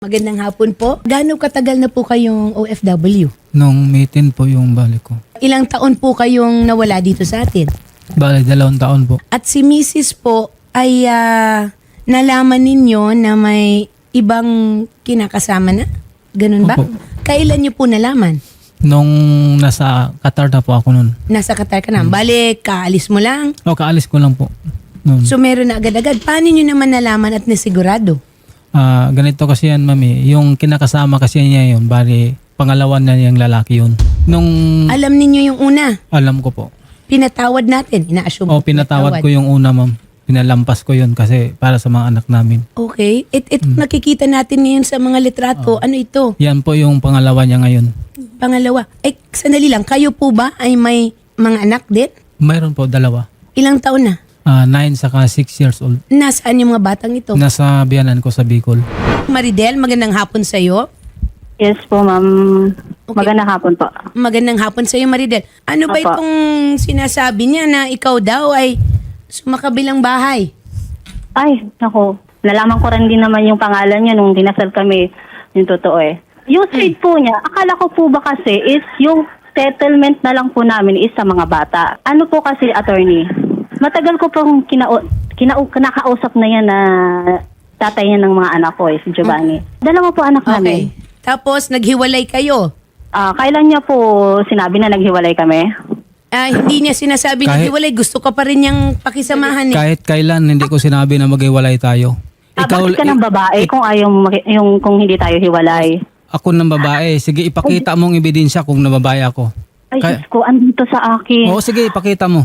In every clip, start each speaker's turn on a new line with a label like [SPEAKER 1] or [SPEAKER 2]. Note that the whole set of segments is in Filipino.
[SPEAKER 1] Magandang hapon po. Gaano katagal na po kayong OFW?
[SPEAKER 2] Nung May 10 po yung balik ko.
[SPEAKER 1] Ilang taon po kayong nawala dito sa atin?
[SPEAKER 2] Bale, 2 taon po.
[SPEAKER 1] At si Mrs. po ay nalaman ninyo na may ibang kinakasama na? Ganun ba?
[SPEAKER 2] Opo.
[SPEAKER 1] Kailan niyo po nalaman?
[SPEAKER 2] Nung nasa Qatar na po ako nun.
[SPEAKER 1] Nasa Qatar ka na. Balik, kaalis mo lang.
[SPEAKER 2] O, kaalis ko lang po. Nun.
[SPEAKER 1] So meron na agad-agad. Paano niyo naman nalaman at nasigurado?
[SPEAKER 2] Ganito kasi yan, mami. Yung kinakasama kasi niya yun, bali, pangalawan na niyang lalaki yun. Nung
[SPEAKER 1] Alam ninyo yung una.
[SPEAKER 2] alam ko po.
[SPEAKER 1] Pinatawad natin. Ina-assume
[SPEAKER 2] O, pinatawad ko yung una, ma'am. Pinalampas ko yun kasi para sa mga anak namin.
[SPEAKER 1] Okay. Ito nakikita natin ngayon sa mga litrato. Ano ito?
[SPEAKER 2] Yan po yung pangalawa niya ngayon.
[SPEAKER 1] Pangalawa. Sandali lang. Kayo po ba ay may mga anak din?
[SPEAKER 2] Mayroon po, 2.
[SPEAKER 1] Ilang taon na?
[SPEAKER 2] 9 saka 6 years old.
[SPEAKER 1] Nasaan yung mga batang ito?
[SPEAKER 2] Nasa biyanan ko sa Bicol.
[SPEAKER 1] Maridel, magandang hapon sa iyo.
[SPEAKER 3] Yes po, ma'am.
[SPEAKER 1] Okay.
[SPEAKER 3] Magandang hapon po.
[SPEAKER 1] Magandang hapon sa iyo, Maridel. Ano ba
[SPEAKER 3] Apa.
[SPEAKER 1] itong sinasabi niya na ikaw daw ay sumakabilang bahay?
[SPEAKER 3] Ay, nako. Nalaman ko rin din naman yung pangalan niya nung dinasal kami. Yung totoo eh. Yung street po niya, akala ko po ba kasi is yung settlement na lang po namin is sa mga bata. Ano po kasi, attorney? Matagal ko pong kinakausap na yan na tatay niya ng mga anak ko si Giovanni. Dalawa po anak namin.
[SPEAKER 1] Okay. Tapos naghiwalay kayo.
[SPEAKER 3] Kailan niya po sinabi na naghiwalay kami?
[SPEAKER 1] Hindi niya sinasabi naghiwalay. Gusto ka pa rin niyang pakisamahan eh.
[SPEAKER 2] Kahit kailan, hindi ko sinabi na maghiwalay tayo.
[SPEAKER 3] Bakit ka ng babae kung kung hindi tayo hiwalay?
[SPEAKER 2] Ako ng babae. Sige, ipakita mong ebidensya kung nababae ako.
[SPEAKER 3] Ay,
[SPEAKER 2] Kaya-
[SPEAKER 3] Diyos ko, andito sa akin.
[SPEAKER 2] Oo, sige, ipakita mo.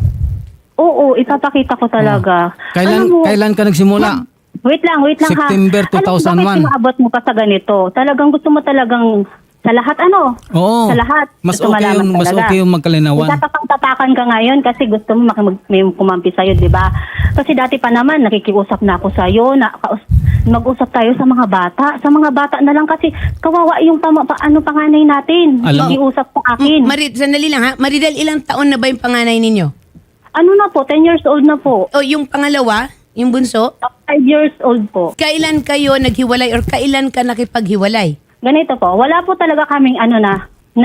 [SPEAKER 3] Oo, ipapakita ko talaga.
[SPEAKER 2] Kailan,
[SPEAKER 3] Alam mo,
[SPEAKER 2] kailan ka nagsimula?
[SPEAKER 3] Wait lang
[SPEAKER 2] September
[SPEAKER 3] ha.
[SPEAKER 2] 2001.
[SPEAKER 3] Alam mo, bakit inaabot mo pa sa ganito? Talagang gusto mo talagang sa lahat
[SPEAKER 2] Oo.
[SPEAKER 3] Sa lahat.
[SPEAKER 2] Mas
[SPEAKER 3] Gusto
[SPEAKER 2] okay
[SPEAKER 3] malaman
[SPEAKER 2] yung, mas
[SPEAKER 3] talaga.
[SPEAKER 2] okay yung magkalinawan.
[SPEAKER 3] Tatapang-tapakan ka ngayon kasi gusto mo may kumampi sa'yo, di ba? Kasi dati pa naman, nakikiusap na ako sa'yo, mag-usap tayo sa mga bata. Sa mga bata na lang kasi kawawa yung panganay natin.
[SPEAKER 2] Alam mo-
[SPEAKER 3] Nakikiusap sa akin.
[SPEAKER 1] Sandali lang ha. Maridel, ilang taon na ba yung panganay ninyo?
[SPEAKER 3] Ano na po, 10 years old na po.
[SPEAKER 1] O yung pangalawa, yung bunso?
[SPEAKER 3] 5 years old po.
[SPEAKER 1] Kailan kayo naghiwalay or kailan ka nakipaghiwalay?
[SPEAKER 3] Ganito po, wala po talaga kaming na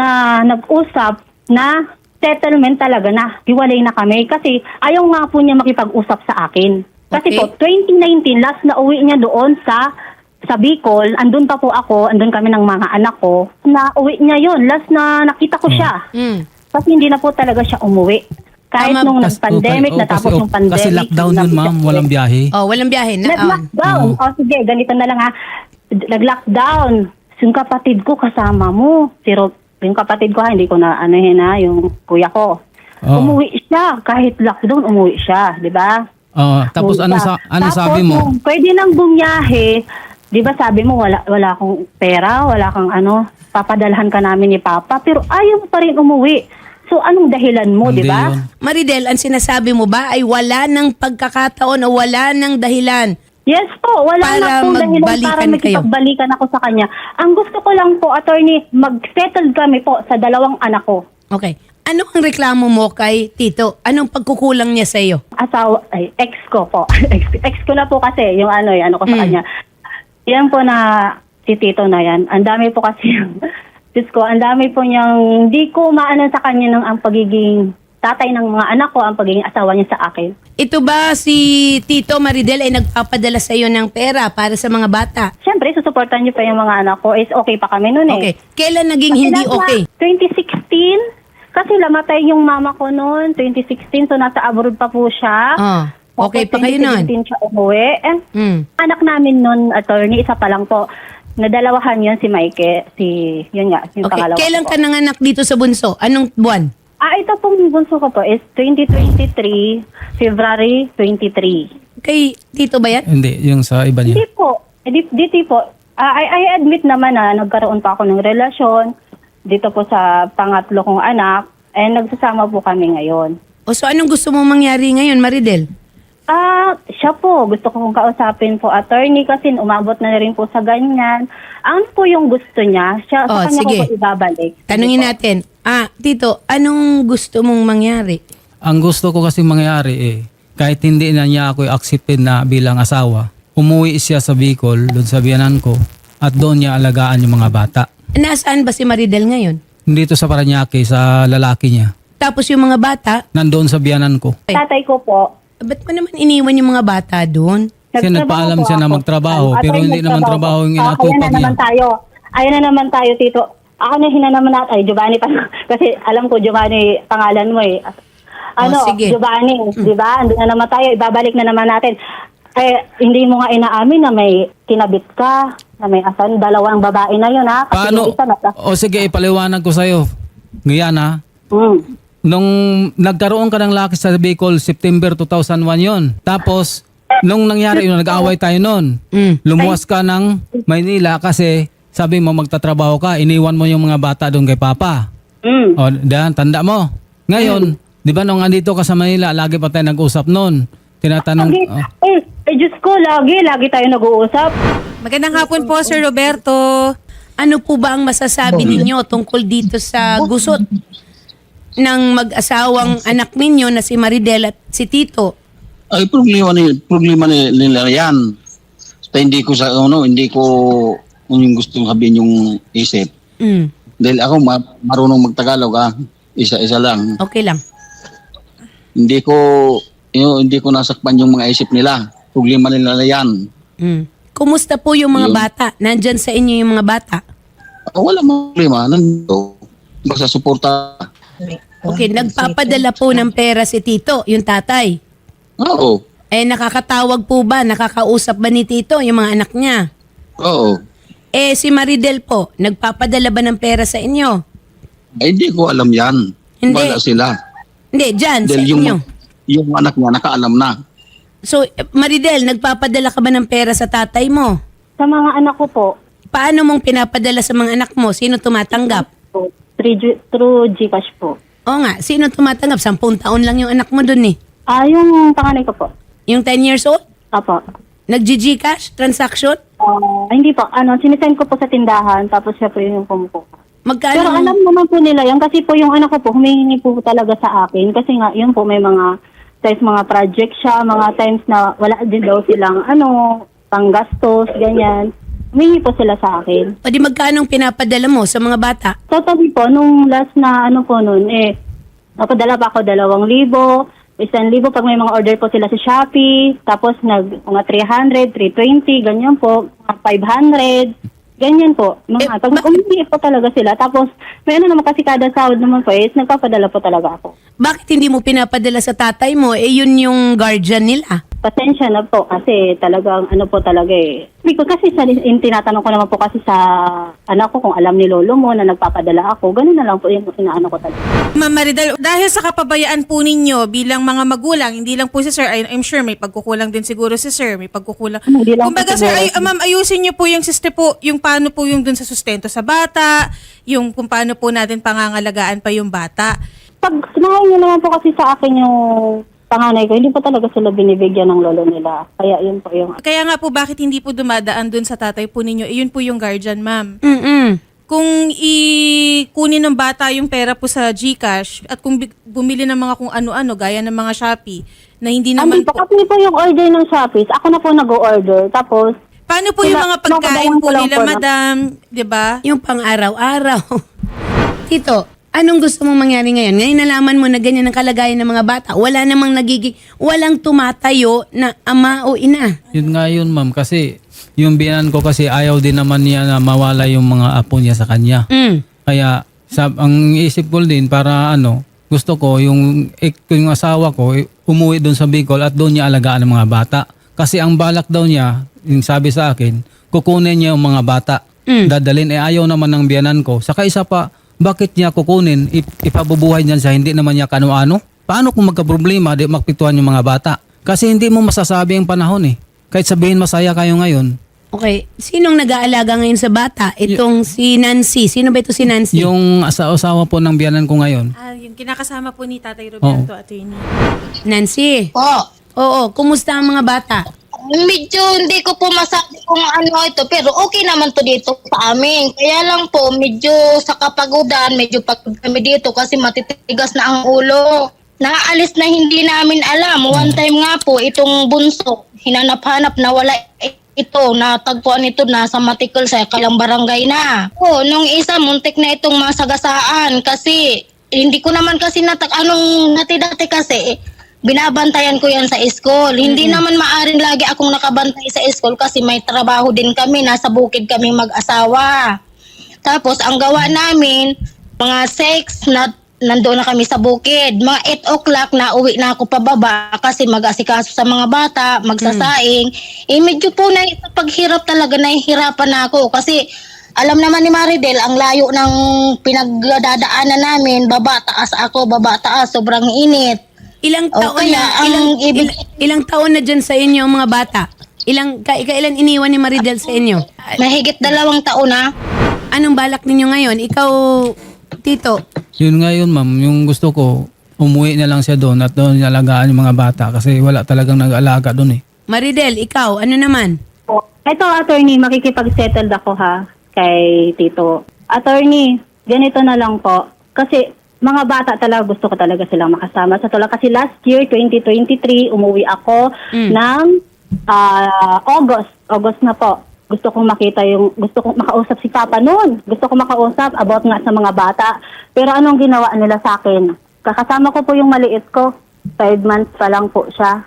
[SPEAKER 3] nag-usap na settlement talaga na hiwalay na kami kasi ayaw nga po niya makipag-usap sa akin. Kasi
[SPEAKER 1] Okay.
[SPEAKER 3] po, 2019, last na uwi niya doon sa Bicol, andun pa po ako, andun kami ng mga anak ko, na uwi niya yon last na nakita ko siya. Kasi hindi na po talaga siya umuwi. Kahit
[SPEAKER 1] Tama.
[SPEAKER 3] nung nag-pandemic, natapos yung pandemic.
[SPEAKER 2] Kasi lockdown yun, ma'am. Walang biyahe.
[SPEAKER 1] Oh, walang biyahe na.
[SPEAKER 3] Nag-lockdown. O sige, ganito na lang ha. Nag-lockdown. Yung kapatid ko kasama mo. Yung kapatid ko hindi ko na yung kuya ko.
[SPEAKER 2] Oo.
[SPEAKER 3] Umuwi siya. Kahit lockdown, umuwi siya. Di ba?
[SPEAKER 2] Tapos
[SPEAKER 3] Umuwi siya.
[SPEAKER 2] ano
[SPEAKER 3] Tapos,
[SPEAKER 2] sabi mo?
[SPEAKER 3] nung pwede nang bumiyahe. Di ba sabi mo, wala akong pera, wala kang papadalhan ka namin ni Papa. Pero ayaw mo pa rin umuwi. So, anong dahilan mo, di
[SPEAKER 2] Hindi
[SPEAKER 3] ba?
[SPEAKER 2] yun.
[SPEAKER 1] Maridel, ang sinasabi mo ba ay wala ng pagkakataon o wala ng dahilan?
[SPEAKER 3] Yes po, wala
[SPEAKER 1] Para
[SPEAKER 3] na pong dahilan para
[SPEAKER 1] magbalikan kayo.
[SPEAKER 3] makipagbalikan ako sa kanya. Ang gusto ko lang po, attorney, mag-settle kami po sa 2 anak ko.
[SPEAKER 1] Okay. Ano ang reklamo mo kay Tito? Anong pagkukulang niya sa iyo?
[SPEAKER 3] Ex ko po. ex ko na po kasi, yung ano ko sa kanya. Yan po na, si Tito na yan. Ang dami po kasi, Diyos ko, ang dami po niyang, hindi ko maano sa kanya ng ang pagiging tatay ng mga anak ko, ang pagiging asawa niya sa akin.
[SPEAKER 1] Ito ba si Tito Maridel ay nagpapadala sa iyo ng pera para sa mga bata?
[SPEAKER 3] Siyempre, susuportan niyo pa yung mga anak ko. Is okay pa kami noon
[SPEAKER 1] Okay.
[SPEAKER 3] eh.
[SPEAKER 1] Kailan naging
[SPEAKER 3] Kasi
[SPEAKER 1] hindi
[SPEAKER 3] nasa
[SPEAKER 1] okay?
[SPEAKER 3] 2016, kasi lamatay yung mama ko noon, 2016, so nasa abroad pa po siya.
[SPEAKER 1] Okay pa
[SPEAKER 3] Tapos
[SPEAKER 1] kayo nun?
[SPEAKER 3] 2017 siya umuwi. And anak namin noon, attorney, isa pa lang po. Nadalawahan yun si Mike, yun nga, yung
[SPEAKER 1] Okay.
[SPEAKER 3] pangalawa
[SPEAKER 1] Kailan
[SPEAKER 3] ko.
[SPEAKER 1] ka nanganak dito sa bunso? Anong buwan?
[SPEAKER 3] Ito pong bunso ko po is 2023, February 23.
[SPEAKER 1] Kay Tito ba yan?
[SPEAKER 2] Hindi, yung sa iba niya.
[SPEAKER 3] Hindi po. Dito po. I admit naman na nagkaroon pa ako ng relasyon dito po sa pangatlo kong anak. And nagsasama po kami ngayon.
[SPEAKER 1] O so anong gusto mong mangyari ngayon, Maridel?
[SPEAKER 3] Siya po. Gusto ko kong kausapin po, attorney, kasi umabot na rin po sa ganyan. Ano po yung gusto niya? Sa kanya
[SPEAKER 1] sige.
[SPEAKER 3] ko po ibabalik.
[SPEAKER 1] Tanungin
[SPEAKER 3] Sige po.
[SPEAKER 1] natin. Tito, anong gusto mong mangyari?
[SPEAKER 2] Ang gusto ko kasi mangyari kahit hindi na niya ako accepted na bilang asawa, umuwi siya sa Bicol, doon sa biyanan ko. at doon niya alagaan yung mga bata.
[SPEAKER 1] Nasaan ba si Maridel ngayon?
[SPEAKER 2] Dito sa Parañaque, sa lalaki niya.
[SPEAKER 1] Tapos yung mga bata,
[SPEAKER 2] Nandoon sa biyanan ko.
[SPEAKER 3] Tatay ko po,
[SPEAKER 1] ba't mo naman iniwan yung mga bata doon?
[SPEAKER 2] Kasi nagpaalam
[SPEAKER 3] po
[SPEAKER 2] siya na
[SPEAKER 3] ako.
[SPEAKER 2] magtrabaho,
[SPEAKER 3] At
[SPEAKER 2] pero
[SPEAKER 3] ay,
[SPEAKER 2] hindi naman trabaho yung
[SPEAKER 3] Kaya
[SPEAKER 2] inatupag
[SPEAKER 3] na naman
[SPEAKER 2] niya.
[SPEAKER 3] tayo. Ayan na naman tayo, Tito. Ako na hinanaman natin. Ay, Giovanni pa. Kasi alam ko, Giovanni, pangalan mo eh.
[SPEAKER 1] sige.
[SPEAKER 3] Giovanni, di ba? Andun na naman tayo. Ibabalik na naman natin. Eh, hindi mo nga inaamin na may kinabit ka, na may asan. Dalawang babae na yun, ha? Kasi
[SPEAKER 2] Paano?
[SPEAKER 3] yung isa
[SPEAKER 2] O sige, ipaliwanag ko sa'yo. Ngayon ha,
[SPEAKER 3] Mm.
[SPEAKER 2] nung nagkaroon ka ng laki sa Bicol, September 2001 yon. Tapos, nung nangyari yun, nag-away tayo nun. Lumuwas ka ng Maynila kasi sabi mo magtatrabaho ka, iniwan mo yung mga bata doon kay Papa.
[SPEAKER 3] Mm.
[SPEAKER 2] O, dahan, tanda mo. Ngayon, di ba nung andito ka sa Manila, lagi pa tayo nag-usap noon. Tinatanong,
[SPEAKER 3] Diyos ko, lagi tayo nag-uusap.
[SPEAKER 4] Magandang hapon po, Sir Roberto.
[SPEAKER 1] Ano po ba ang masasabi ninyo tungkol dito sa gusot ng mag-asawang anak ninyo na si Maridel at si Tito?
[SPEAKER 5] Ay, problema nila yan. Basta hindi ko yung gustong sabihin yung isip.
[SPEAKER 1] Mm,
[SPEAKER 5] Dahil ako marunong magtagalog isa-isa lang.
[SPEAKER 1] okay lang.
[SPEAKER 5] Hindi ko nasakpan yung mga isip nila. Problema nila yan.
[SPEAKER 1] Mm. Kumusta po yung mga
[SPEAKER 5] Yun.
[SPEAKER 1] bata? Nandyan sa inyo yung mga bata?
[SPEAKER 5] Wala problema. Nandito. Basta suporta.
[SPEAKER 1] Okay, nagpapadala po ng pera si Tito, yung tatay.
[SPEAKER 5] Oo.
[SPEAKER 1] Eh, nakakatawag po ba? Nakakausap ba ni Tito yung mga anak niya?
[SPEAKER 5] Oo.
[SPEAKER 1] Eh, si Maridel po, nagpapadala ba ng pera sa inyo?
[SPEAKER 5] Ay, hindi ko alam yan.
[SPEAKER 1] Hindi.
[SPEAKER 5] Wala sila.
[SPEAKER 1] Hindi, dyan, sa
[SPEAKER 5] Dahil
[SPEAKER 1] inyo.
[SPEAKER 5] yung anak niya nakaalam na.
[SPEAKER 1] So, Maridel, nagpapadala ka ba ng pera sa tatay mo?
[SPEAKER 3] Sa mga anak ko po,
[SPEAKER 1] Paano mong pinapadala sa mga anak mo? Sino tumatanggap?
[SPEAKER 3] through Gcash po.
[SPEAKER 1] Oo nga, sino tumatanggap? 10 taon lang yung anak mo dun eh.
[SPEAKER 3] Yung panganay ko po.
[SPEAKER 1] Yung 10 years old?
[SPEAKER 3] Apo.
[SPEAKER 1] Nag-GCash transaction?
[SPEAKER 3] Hindi po. Sinisend ko po sa tindahan, tapos siya po yung pumupuka.
[SPEAKER 1] Magkano?
[SPEAKER 3] Pero alam naman po nila yan, kasi po yung anak ko po, humihingi po talaga sa akin. Kasi nga, yun po, may mga times mga project siya, mga times na wala din daw silang, panggastos, ganyan. Humihingi po sila sa akin.
[SPEAKER 1] O di magkano pinapadala mo sa mga bata?
[SPEAKER 3] Totally po, nung last na napadala pa ako 2,000, 1,000 pag may mga order po sila sa Shopee, tapos mga 300, 320, ganyan po, mga 500, ganyan po. Pag umihi po talaga sila, tapos may naman kasi kada sahod naman po, nagpapadala po talaga ako.
[SPEAKER 1] Bakit hindi mo pinapadala sa tatay mo? Eh yun yung guardian nila.
[SPEAKER 3] Pasensya na po kasi talagang Hindi ko kasi tinatanong ko naman po kasi sa anak ko kung alam ni lolo mo na nagpapadala ako. Ganun na lang po yung inaano ko talaga.
[SPEAKER 4] Ma'am Maridel, dahil sa kapabayaan po ninyo bilang mga magulang, hindi lang po si Sir, I'm sure may pagkukulang din siguro si Sir, may pagkukulang.
[SPEAKER 3] Hindi lang
[SPEAKER 4] Kumbaga
[SPEAKER 3] po
[SPEAKER 4] Sir,
[SPEAKER 3] siguro.
[SPEAKER 4] ma'am, ayusin niyo po yung yung paano po yung dun sa sustento sa bata, yung kung paano po natin pangangalagaan pa yung bata.
[SPEAKER 3] Pag sinahay niyo naman po kasi sa akin yung panganay ko, hindi po talaga sila binibigyan ng lolo nila. Kaya yun po yung...
[SPEAKER 4] Kaya nga po bakit hindi po dumadaan dun sa tatay po ninyo, yun po yung guardian, ma'am.
[SPEAKER 1] Mm-mm.
[SPEAKER 4] Kung kunin ng bata yung pera po sa GCash at kung bumili ng mga kung ano-ano gaya ng mga Shopee na hindi naman
[SPEAKER 3] Hindi po, kasi po yung order ng Shopee, ako na po nag-o-order. Tapos,
[SPEAKER 4] paano po yung mga pagkain po nila, madam? 'Di ba?
[SPEAKER 1] Yung pang-araw-araw. Tito, anong gusto mong mangyari ngayon? Ngayon nalaman mo na ganyan ang kalagayan ng mga bata. Wala namang walang tumatayo na ama o ina.
[SPEAKER 2] yun nga yun ma'am, kasi yung biyanan ko kasi ayaw din naman niya na mawala yung mga apo niya sa kanya.
[SPEAKER 1] Mm.
[SPEAKER 2] Kaya ang isip ko din para gusto ko yung asawa ko umuwi doon sa Bicol at doon niya alagaan ang mga bata. Kasi ang balak daw niya, yung sabi sa akin, kukunin niya yung mga bata. Dadalhin, ayaw naman ng biyanan ko. Saka isa pa, bakit niya kukunin, ipabubuhay niyan sa hindi naman niya kano-ano? Paano kung magka-problema, di makpituan yung mga bata? Kasi hindi mo masasabi ang panahon eh. Kahit sabihin masaya kayo ngayon.
[SPEAKER 1] Okay, sinong nag-aalaga ngayon sa bata? Itong si Nancy. Sino ba ito si Nancy?
[SPEAKER 2] Yung asawa po ng biyanan ko ngayon.
[SPEAKER 4] Yung kinakasama po ni Tatay Roberto, attorney.
[SPEAKER 1] Nancy.
[SPEAKER 6] Po.
[SPEAKER 1] Oo, kumusta ang mga bata?
[SPEAKER 6] Medyo hindi ko po masabi kung ano ito, pero okay naman to dito sa amin. Kaya lang po, medyo sa kapagudan, medyo pagod kami dito kasi matitigas na ang ulo. Naalis na hindi namin alam. One time nga po, itong bunso, hinanap-hanap na wala ito, natagpuan ito na sa Matikal sa kalang barangay na. Nung isa, muntik na itong masagasaan kasi hindi ko naman kasi anong dati kasi, binabantayan ko yan sa school. Hindi naman maaring lagi akong nakabantay sa school kasi may trabaho din kami, nasa bukid kami mag-asawa. Tapos, ang gawa namin, mga 6 na nandoon na kami sa bukid. Mga 8 o'clock na uwi na ako pababa kasi mag-asikaso sa mga bata, magsasaing. Medyo po na sa paghirap talaga nahihirapan na ako kasi alam naman ni Maridel ang layo ng pinagdadaanan namin, baba taas ako, baba taas, sobrang init.
[SPEAKER 1] Ilang taon
[SPEAKER 6] kaya
[SPEAKER 1] na, ilang taon na dyan sa inyo ang mga bata? Kailan iniwan ni Maridel sa inyo?
[SPEAKER 6] Mahigit 2 taon na.
[SPEAKER 1] Anong balak ninyo ngayon? Ikaw, Tito,
[SPEAKER 2] Yun nga yun, ma'am. Yung gusto ko, umuwi na lang siya doon at doon alagaan yung mga bata kasi wala talagang nag-alaga doon eh.
[SPEAKER 1] Maridel, ikaw, ano naman?
[SPEAKER 3] Ito, attorney, makikipag-settle ako ha kay Tito. Attorney, ganito na lang po. Kasi mga bata talaga, gusto ko talaga silang makasama. Sa tulad kasi last year, 2023, umuwi ako ng August na po. Gusto kong makausap si Papa noon. Gusto kong makausap about nga sa mga bata. Pero anong ginawa nila sa akin? Kakasama ko po yung maliit ko. 5 months pa lang po siya.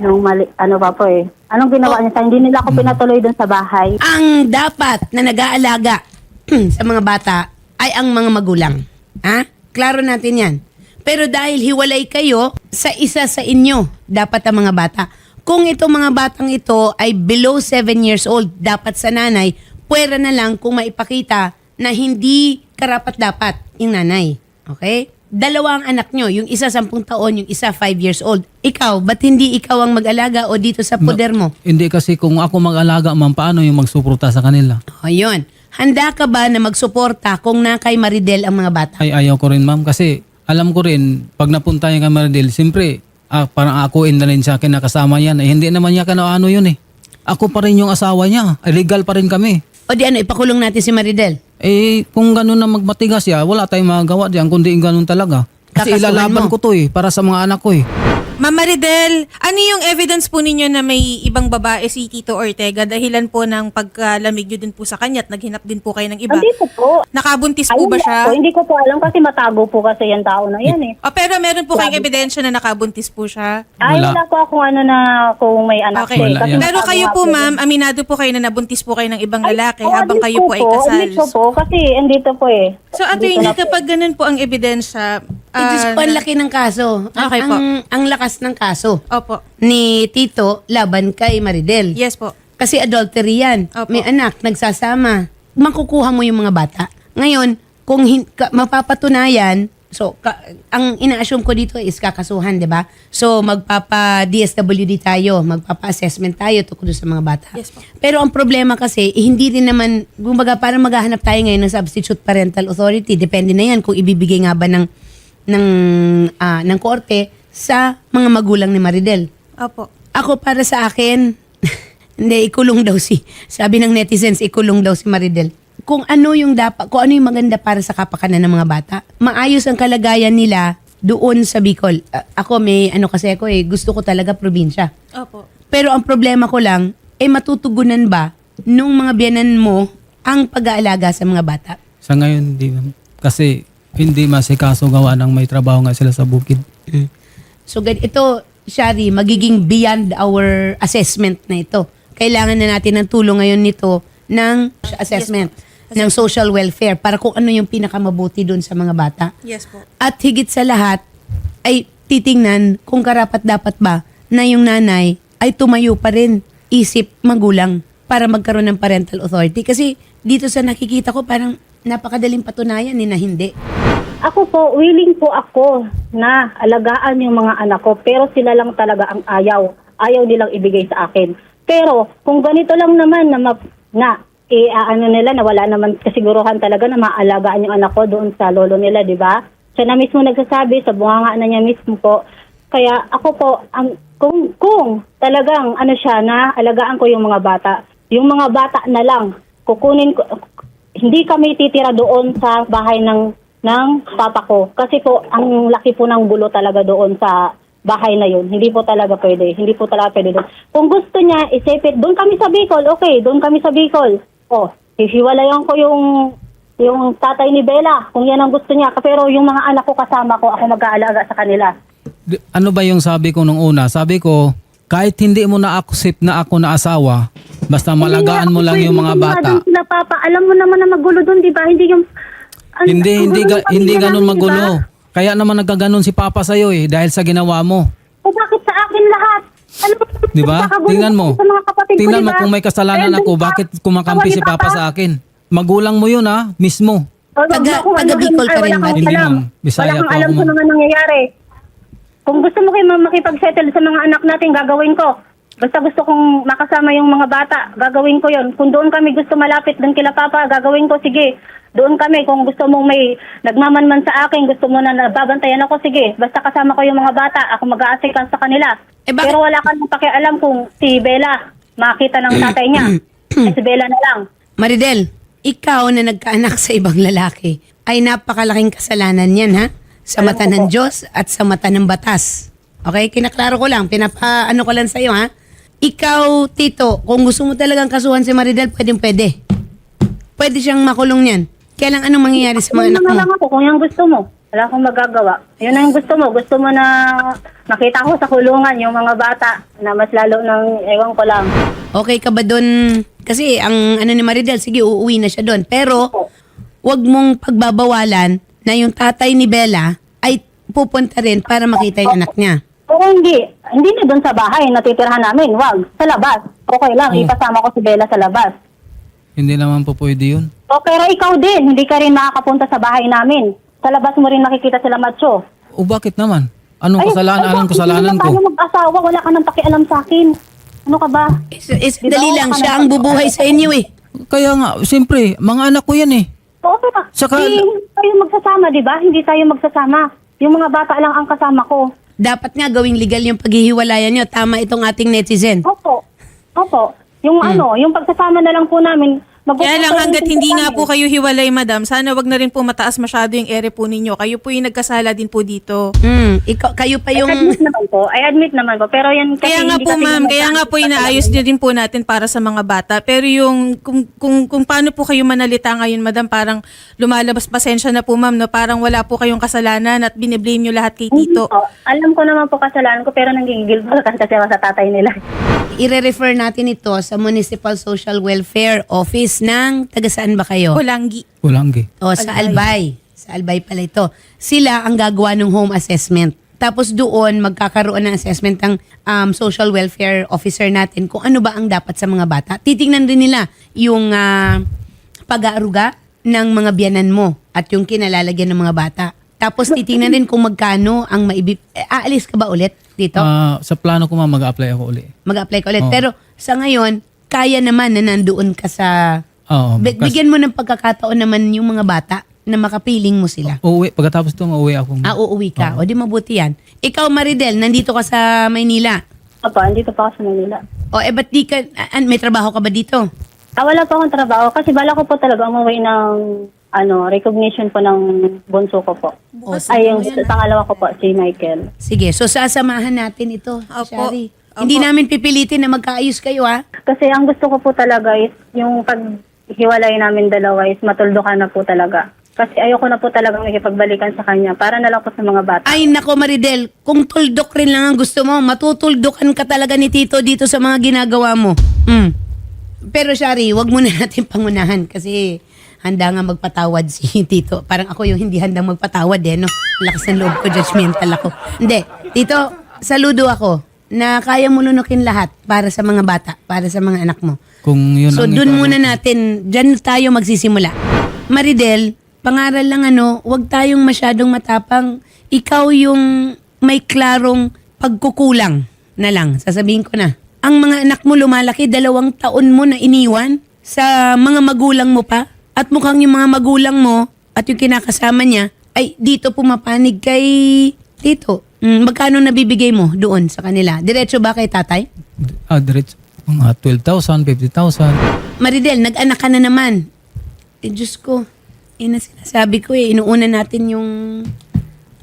[SPEAKER 3] Anong ginawa niya sa hindi nila ako pinatuloy doon sa bahay.
[SPEAKER 1] Ang dapat na nag-aalaga sa mga bata ay ang mga magulang. Ha? Klaro natin yan. Pero dahil hiwalay kayo, sa isa sa inyo, dapat ang mga bata. Kung itong mga batang ito ay below 7 years old, dapat sa nanay, pwera na lang kung maipakita na hindi karapat-dapat yung nanay. Okay? 2 ang anak nyo, yung isa 10 taon, yung isa 5 years old. Ikaw, ba't hindi ikaw ang mag-alaga o dito sa poder mo?
[SPEAKER 2] Hindi kasi kung ako mag-alaga, ma'am, paano yung magsuporta sa kanila?
[SPEAKER 1] O yun. Handa ka ba na magsuporta kung na kay Maridel ang mga bata?
[SPEAKER 2] Ay, ayaw ko rin, ma'am, kasi alam ko rin, pag napunta yung kay Maridel, siyempre, parang akuin na rin siya kinakasama yan. Hindi naman niya ano yun eh. Ako pa rin yung asawa niya. Legal pa rin kami.
[SPEAKER 1] O di ano, ipakulong natin si Maridel.
[SPEAKER 2] Kung gano'n na magmatigas siya, wala tayong magagawa diyan kundi gano'n talaga. Kasi
[SPEAKER 1] Kakasuhan
[SPEAKER 2] ilalaban
[SPEAKER 1] mo.
[SPEAKER 2] ko to para sa mga anak ko
[SPEAKER 4] Ma'am Maridel, ano yung evidence po ninyo na may ibang babae si Tito Ortega dahilan po ng pagkalamig nyo din po sa kanya at naghinap din po kayo ng iba?
[SPEAKER 3] Andito po.
[SPEAKER 4] Nakabuntis po ba siya?
[SPEAKER 3] Hindi ko po alam kasi matago po kasi yung tao na yan eh.
[SPEAKER 4] Pero meron po kayong ebidensya na nakabuntis po siya?
[SPEAKER 2] Wala.
[SPEAKER 3] Wala po akong kung may anak
[SPEAKER 4] Okay.
[SPEAKER 3] siya eh.
[SPEAKER 2] Wala
[SPEAKER 3] Kasi
[SPEAKER 2] yan.
[SPEAKER 4] Pero
[SPEAKER 3] matago
[SPEAKER 4] kayo
[SPEAKER 3] nga
[SPEAKER 4] po
[SPEAKER 3] yun.
[SPEAKER 4] ma'am, aminado po kayo na nabuntis po kayo ng ibang lalaki
[SPEAKER 3] Ay,
[SPEAKER 4] habang kayo po ay kasal.
[SPEAKER 3] Andito po kasi andito po eh.
[SPEAKER 4] So attorney, kapag ganun po ang ebidensya,
[SPEAKER 1] Diyos ko, ang laki ng kaso.
[SPEAKER 4] Okay po.
[SPEAKER 1] Ang lakas ng kaso
[SPEAKER 4] opo.
[SPEAKER 1] ni Tito laban kay Maridel.
[SPEAKER 4] Yes po.
[SPEAKER 1] Kasi adultery yan.
[SPEAKER 4] Opo.
[SPEAKER 1] May anak, nagsasama. Makukuha mo yung mga bata. Ngayon, kung mapapatunayan, ang ina-assume ko dito is kakasuhan, di ba? So, magpapa-DSWD tayo, magpapa-assessment tayo tungkol sa mga bata.
[SPEAKER 4] Yes po.
[SPEAKER 1] Pero ang problema kasi, hindi rin naman, kumbaga, parang maghahanap tayo ngayon ng substitute parental authority. Depende na yan kung ibibigay nga ba ng korte sa mga magulang ni Maridel.
[SPEAKER 4] Opo.
[SPEAKER 1] Ako para sa akin, hindi, ikulong daw sabi ng netizens, ikulong daw si Maridel. Kung ano yung maganda para sa kapakanan ng mga bata. Maayos ang kalagayan nila doon sa Bicol. Ako gusto ko talaga probinsya.
[SPEAKER 4] Opo.
[SPEAKER 1] Pero ang problema ko lang, matutugunan ba nung mga biyanan mo ang pag-aalaga sa mga bata?
[SPEAKER 2] Sa ngayon, hindi, ma'am. Kasi hindi masikaso gawa ng may trabaho nga sila sa bukid.
[SPEAKER 1] So ito, Shari, magiging beyond our assessment na ito. Kailangan na natin ng tulong ngayon nito ng assessment, ng social welfare para kung ano yung pinakamabuti doon sa mga bata.
[SPEAKER 4] Yes po.
[SPEAKER 1] At higit sa lahat, ay titingnan kung karapat-dapat ba na yung nanay ay tumayo pa rin isip magulang para magkaroon ng parental authority. Kasi dito sa nakikita ko parang napakadaling patunayan na hindi.
[SPEAKER 3] Ako po, willing po ako na alagaan yung mga anak ko, pero sila lang talaga ang ayaw. Ayaw nilang ibigay sa akin. Pero kung ganito lang naman na wala naman kasiguruhan talaga na maalagaan yung anak ko doon sa lolo nila, di ba? Siya na mismo nagsasabi, sa bunganga na niya mismo po. Kaya ako po, kung talagang siya na alagaan ko yung mga bata, yung mga bata na lang, kukunin ko, hindi kami titira doon sa bahay ng papa ko. Kasi po, ang laki po ng gulo talaga doon sa bahay na yun. Hindi po talaga pwede. Hindi po talaga pwede doon. Kung gusto niya, isipit, doon kami sa Bicol. Okay, doon kami sa Bicol. Oh, hihiwalayan ko yung tatay ni Bella, kung yan ang gusto niya. Pero yung mga anak ko kasama ko, ako mag-aalaga sa kanila.
[SPEAKER 2] Ano ba yung sabi ko nung una? Sabi ko, kahit hindi mo na-accept na ako na asawa, basta malagaan mo lang yung mga bata.
[SPEAKER 3] Sila, Papa. Alam mo naman na magulo doon, di ba? Hindi yung...
[SPEAKER 2] Hindi ganun magulo. Kaya naman nagkaganon si Papa sa'yo dahil sa ginawa mo.
[SPEAKER 3] O bakit sa akin lahat? Ano ba?
[SPEAKER 2] Di ba? Tingnan mo.
[SPEAKER 3] Sa mga kapatid ko,
[SPEAKER 2] Tingnan
[SPEAKER 3] di
[SPEAKER 2] mo
[SPEAKER 3] ba?
[SPEAKER 2] kung may kasalanan
[SPEAKER 3] Kaya
[SPEAKER 2] ako,
[SPEAKER 3] doon
[SPEAKER 2] bakit kumakampi
[SPEAKER 3] Tawa
[SPEAKER 2] si
[SPEAKER 3] ni
[SPEAKER 2] Papa sa akin? Magulang mo yun mismo.
[SPEAKER 3] O, wag
[SPEAKER 1] Taga-
[SPEAKER 3] mo kung
[SPEAKER 1] taga Bicol ka rin
[SPEAKER 3] wala
[SPEAKER 1] ba?
[SPEAKER 3] kang
[SPEAKER 2] Hindi,
[SPEAKER 3] alam.
[SPEAKER 2] ma'am. Bisaya
[SPEAKER 3] Wala kang
[SPEAKER 2] po
[SPEAKER 3] alam
[SPEAKER 2] ako,
[SPEAKER 3] sa
[SPEAKER 2] ma'am.
[SPEAKER 3] mga nangyayari. Kung gusto mo kayo makipag-settle sa mga anak natin, gagawin ko. Basta gusto kong makasama yung mga bata, gagawin ko yon. Kung doon kami gusto malapit doon kila Papa, gagawin ko, sige. Doon kami, kung gusto mong may nagmamanman sa akin, gusto mo na nababantayan ako, sige. Basta kasama ko yung mga bata, ako mag-aasikan sa kanila.
[SPEAKER 1] Bakit-
[SPEAKER 3] Pero wala kang pakialam kung si Bella makita ng tatay niya. Si Bella na lang.
[SPEAKER 1] Maridel, ikaw na nagkaanak sa ibang lalaki ay napakalaking kasalanan yan, ha? Sa mata ng Diyos at sa mata ng batas. Okay? Kinaklaro ko lang. Pinapaano ko lang sa'yo, ha? Ikaw, Tito, kung gusto mo talagang kasuhan si Maridel, pwede. Pwede siyang makulong yan. Kaya lang anong mangyayari sa mga anak
[SPEAKER 3] Ano na
[SPEAKER 1] mo?
[SPEAKER 3] lang ako kung yung gusto mo. Wala akong magagawa. Yun na yung gusto mo. Gusto mo na makita ko sa kulungan yung mga bata na mas lalo ng ewan ko lang.
[SPEAKER 1] Okay ka ba doon? Kasi ang ano ni Maridel, sige, uuwi na siya doon. Pero, wag mong pagbabawalan na yung tatay ni Bella ay pupunta rin para makita yung anak niya.
[SPEAKER 3] Pero hindi na doon sa bahay natitirhan namin. Wag, sa labas. Okay lang, ipasama ko si Bella sa labas.
[SPEAKER 2] Hindi naman po pwede yun.
[SPEAKER 3] O pero ikaw din, hindi ka rin makakapunta sa bahay namin. Sa labas mo rin makikita sila macho.
[SPEAKER 2] O bakit naman? Anong kasalanan? Anong kasalanan
[SPEAKER 3] Hindi
[SPEAKER 2] ko?
[SPEAKER 3] naman tayo mag-asawa, wala ka nang pakialam sa akin. Ano ka ba?
[SPEAKER 1] Dali lang, siya ang bubuhay sa inyo eh.
[SPEAKER 2] Kaya nga, siyempre, mga anak ko yan
[SPEAKER 3] Oo, pero
[SPEAKER 2] Saka-
[SPEAKER 3] hindi tayo magsasama, di ba? Hindi tayo magsasama. Yung mga bata lang ang kasama ko.
[SPEAKER 1] Dapat nga gawing legal yung paghihiwalayan nyo. Tama itong ating netizen.
[SPEAKER 3] Opo. Yung yung pagsasama na lang po namin.
[SPEAKER 4] Kaya lang hanggat hindi nga po kayo hiwalay, madam, sana wag na rin po mataas masyado yung ere po ninyo. Kayo po yung nagkasala din po dito.
[SPEAKER 1] Kayo pa yung...
[SPEAKER 3] I admit naman po. Pero yan kasi
[SPEAKER 4] Kaya nga
[SPEAKER 3] hindi
[SPEAKER 4] po
[SPEAKER 3] kasi
[SPEAKER 4] ma'am,
[SPEAKER 3] naman
[SPEAKER 4] kaya nga po inaayos din po natin para sa mga bata. Pero yung kung paano po kayo manalita ngayon, madam, parang lumalabas, pasensya na po ma'am, no? Parang wala po kayong kasalanan at biniblame nyo lahat kay Tito.
[SPEAKER 3] Alam ko naman po kasalanan ko pero nanggigigil po kasi ako sa tatay nila.
[SPEAKER 1] I-refer natin ito sa Municipal Social Welfare Office ng taga-saan ba kayo?
[SPEAKER 4] Kulanggi.
[SPEAKER 2] Ulanggi.
[SPEAKER 1] O sa Albay. Sa Albay pala ito. Sila ang gagawa ng home assessment. Tapos doon magkakaroon ng assessment ng social welfare officer natin kung ano ba ang dapat sa mga bata. Titingnan din nila yung pag-aaruga ng mga biyanan mo at yung kinalalagyan ng mga bata. Tapos titingnan din kung magkano ang aalis ka ba ulit dito?
[SPEAKER 2] Sa plano ko mag-apply ako uli.
[SPEAKER 1] Mag-apply ka ulit.
[SPEAKER 2] Oo.
[SPEAKER 1] Pero sa ngayon, kaya naman na nandoon ka sa...
[SPEAKER 2] Oo.
[SPEAKER 1] Bigyan mo ng pagkakataon naman yung mga bata na makapiling mo sila.
[SPEAKER 2] Uuwi. Pagkatapos ito, uuwi ako.
[SPEAKER 1] Uuwi ka. O di mabuti yan. Ikaw, Maridel, nandito ka sa Maynila.
[SPEAKER 3] Opo, andito pa ako sa Manila.
[SPEAKER 1] O ba't di ka... may trabaho ka ba dito?
[SPEAKER 3] Wala po akong trabaho kasi bala ko po talaga umuwi ng recognition po ng bunso ko po. Ay, yung pangalawa ko po, si Michael.
[SPEAKER 1] Sige, so sasamahan natin ito,
[SPEAKER 4] Opo.
[SPEAKER 1] Shari.
[SPEAKER 4] Opo.
[SPEAKER 1] Hindi namin pipilitin na magkaayos kayo, ha?
[SPEAKER 3] Kasi ang gusto ko po talaga is yung paghiwalay namin dalawa is matuldukan na po talaga. Kasi ayoko na po talaga makipagbalikan sa kanya para na lang po sa mga bata.
[SPEAKER 1] Ay, nako, Maridel, kung tuldok rin lang ang gusto mo, matutuldokan ka talaga ni Tito dito sa mga ginagawa mo. Pero, Shari, wag muna natin pangunahan kasi handa nga magpatawad si Tito. Parang ako yung hindi handang magpatawad no? Lakas ng loob ko, judgmental ako. Hindi, Tito, saludo ako na kaya mo lunukin lahat para sa mga bata, para sa mga anak mo.
[SPEAKER 2] Kung yun
[SPEAKER 1] So,
[SPEAKER 2] ang
[SPEAKER 1] dun
[SPEAKER 2] ikaw-
[SPEAKER 1] muna natin, dyan tayo magsisimula. Maridel, pangaral lang wag tayong masyadong matapang. Ikaw yung may klarong pagkukulang na lang. Sasabihin ko na. Ang mga anak mo lumalaki, 2 taon mo na iniwan sa mga magulang mo pa. At mukhang yung mga magulang mo at yung kinakasama niya ay dito pumapanig kay Tito. Magkano nabibigay mo doon sa kanila? Diretso ba kay tatay?
[SPEAKER 2] Diretso. Mga 12,000, 50,000.
[SPEAKER 1] Maridel, nag-anak ka na naman. Diyos ko. Sinasabi ko inuuna natin yung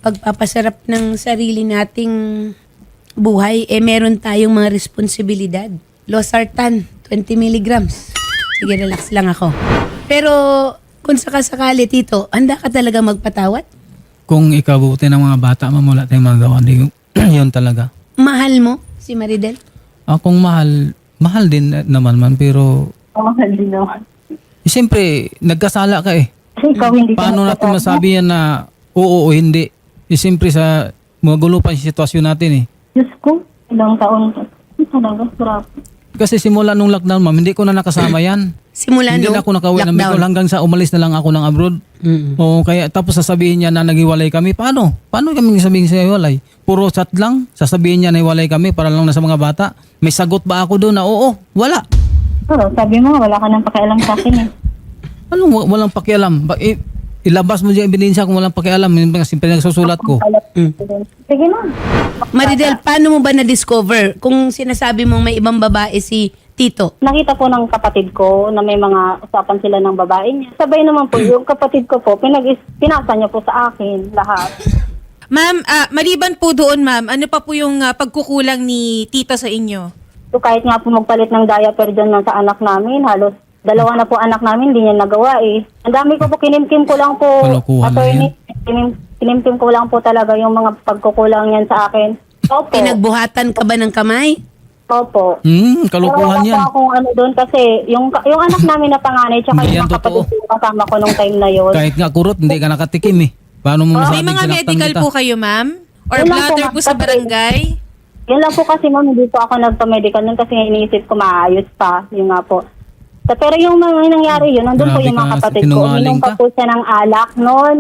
[SPEAKER 1] pagpapasarap ng sarili nating buhay, meron tayong mga responsibilidad. Losartan, 20 milligrams. Sige, relax lang ako. Pero kung sakasakali, Tito, handa ka talaga magpatawad?
[SPEAKER 2] Kung ikabuti ng mga bata, ma'am, wala tayong magawa. Yun talaga.
[SPEAKER 1] Mahal mo si Maridel?
[SPEAKER 2] Kung mahal din naman man, pero
[SPEAKER 3] Hindi naman.
[SPEAKER 2] siyempre, nagkasala ka eh.
[SPEAKER 3] Kasi ikaw hindi ka
[SPEAKER 2] Paano natin masabi yan na oo o hindi? Siyempre sa magulo pa yung sitwasyon natin eh.
[SPEAKER 3] Diyos ko, ilang taon ka. Talaga, sarap.
[SPEAKER 2] Kasi simula nung lockdown, ma'am, hindi ko na nakasama yan.
[SPEAKER 1] Simula
[SPEAKER 2] Hindi
[SPEAKER 1] nung
[SPEAKER 2] na ako nakauwi ng
[SPEAKER 1] lockdown.
[SPEAKER 2] Bicol hanggang sa umalis na lang ako ng abroad.
[SPEAKER 1] Mm.
[SPEAKER 2] O kaya tapos sasabihin niya na naghiwalay kami. Paano? Paano kami sabihin sa hiwalay? Puro chat lang? Sasabihin niya na hiwalay kami para lang na sa mga bata? May sagot ba ako doon na oo? Wala.
[SPEAKER 3] Oo, sabi mo, wala ka nang pakialam sa akin eh.
[SPEAKER 2] Anong walang pakialam? Ilabas mo dyan ebidensya kung walang pakialam. Yung mga simple nagsusulat ko.
[SPEAKER 3] Sige na.
[SPEAKER 1] Maridel, paano mo ba na-discover kung sinasabi mong may ibang babae si Tito?
[SPEAKER 3] Nakita po ng kapatid ko na may mga usapan sila ng babae niya. Sabay naman po, yung kapatid ko po, pinasa niya po sa akin lahat.
[SPEAKER 4] Ma'am, maliban po doon, ma'am, ano pa po yung pagkukulang ni Tito sa inyo?
[SPEAKER 3] So kahit nga po magpalit ng diaper dyan sa anak namin, halos 2 na po anak namin, hindi niya nagawa eh. Ang dami ko po, kinimkim ko lang po.
[SPEAKER 2] Kalokohan na yan.
[SPEAKER 3] Kinimkim ko lang po talaga yung mga pagkukulang niyan sa akin. Opo.
[SPEAKER 1] Pinagbuhatan ka ba ng kamay?
[SPEAKER 3] Opo.
[SPEAKER 2] Kalukuhan yan.
[SPEAKER 3] Pero wala po akong ano doon kasi yung anak namin na panganay tsaka
[SPEAKER 2] Hindi
[SPEAKER 3] yung
[SPEAKER 2] yan
[SPEAKER 3] mga kapatid
[SPEAKER 2] totoo.
[SPEAKER 3] ko kasama ko nung time na yun.
[SPEAKER 2] Kahit nga kurot, hindi ka nakatikim eh. Paano mo
[SPEAKER 4] May
[SPEAKER 2] masabing
[SPEAKER 4] mga
[SPEAKER 2] sinaktan
[SPEAKER 4] medical
[SPEAKER 2] kita?
[SPEAKER 4] po kayo, ma'am? Or
[SPEAKER 3] Wala po,
[SPEAKER 4] bladder
[SPEAKER 3] ma'am.
[SPEAKER 4] po sa
[SPEAKER 3] Kasi-
[SPEAKER 4] barangay?
[SPEAKER 3] Yun lang po kasi ma'am, hindi po ako nagpa-medical nun kasi iniisip ko maayos pa. Yung nga po. Pero yung mga nangyari yun, nandun po
[SPEAKER 2] Grabe
[SPEAKER 3] yung mga
[SPEAKER 2] ka,
[SPEAKER 3] kapatid ko.
[SPEAKER 2] sinungaling
[SPEAKER 3] Uminom pa
[SPEAKER 2] ka.
[SPEAKER 3] po siya ng alak noon,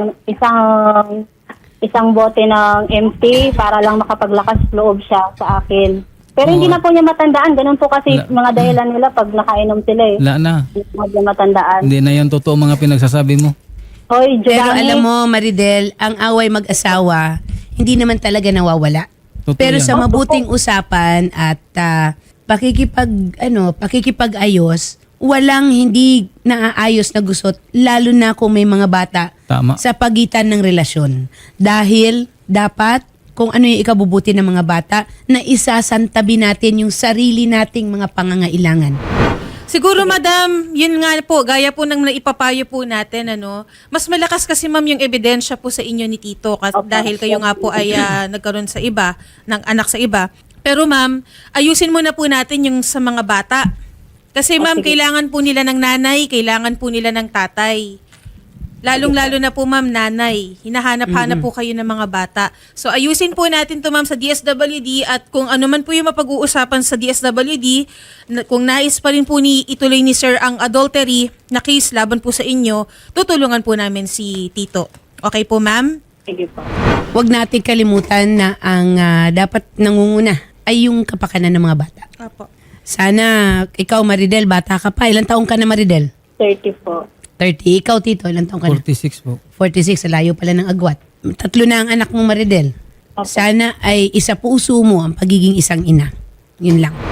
[SPEAKER 3] isang bote ng empty para lang makapaglakas loob siya sa akin. Pero hindi
[SPEAKER 2] Oo.
[SPEAKER 3] na po niya matandaan. Ganun po kasi
[SPEAKER 2] Wala.
[SPEAKER 3] mga dahilan nila pag nakainom sila eh.
[SPEAKER 2] Wala na.
[SPEAKER 3] Hindi po niya matandaan.
[SPEAKER 2] Hindi na yan totoo mga pinagsasabi mo.
[SPEAKER 3] Hoy,
[SPEAKER 1] Pero
[SPEAKER 3] Giovanni.
[SPEAKER 1] alam mo, Maridel, ang away mag-asawa, hindi naman talaga nawawala.
[SPEAKER 2] Totoo
[SPEAKER 1] Pero
[SPEAKER 2] yan.
[SPEAKER 1] sa mabuting usapan at pakikipag-ayos, walang hindi naaayos na gusot, lalo na kung may mga bata
[SPEAKER 2] Tama.
[SPEAKER 1] sa pagitan ng relasyon. Dahil dapat kung ano yung ikabubuti ng mga bata, na isasantabi natin yung sarili nating mga pangangailangan.
[SPEAKER 4] Siguro, madam, yun nga po, gaya po ng naipapayo po natin, mas malakas kasi, ma'am, yung ebidensya po sa inyo ni Tito dahil kayo nga po ay nagkaroon sa iba, ng anak sa iba. Pero, ma'am, ayusin muna po natin yung sa mga bata. Kasi, ma'am, kailangan po nila ng nanay, kailangan po nila ng tatay. Lalong-lalo na po, ma'am, nanay. Hinahanap-hanap po kayo ng mga bata. So, ayusin po natin to, ma'am, sa DSWD at kung ano man po yung mapag-uusapan sa DSWD, kung nais pa rin po ituloy ni Sir ang adultery na case laban po sa inyo, tutulungan po namin si Tito. Okay po, ma'am?
[SPEAKER 3] Sige po.
[SPEAKER 1] Huwag natin kalimutan na ang dapat nangunguna ay yung kapakanan ng mga bata.
[SPEAKER 4] Apo.
[SPEAKER 1] Sana, ikaw Maridel, bata ka pa. Ilang taong ka na Maridel?
[SPEAKER 3] 30 po.
[SPEAKER 1] 30. Ikaw Tito, ilang taong ka na?
[SPEAKER 2] 46 po.
[SPEAKER 1] 46, sa layo pala ng agwat. 3 na ang anak mong Maridel. Sana ay isa puso mo ang pagiging isang ina. Yun lang.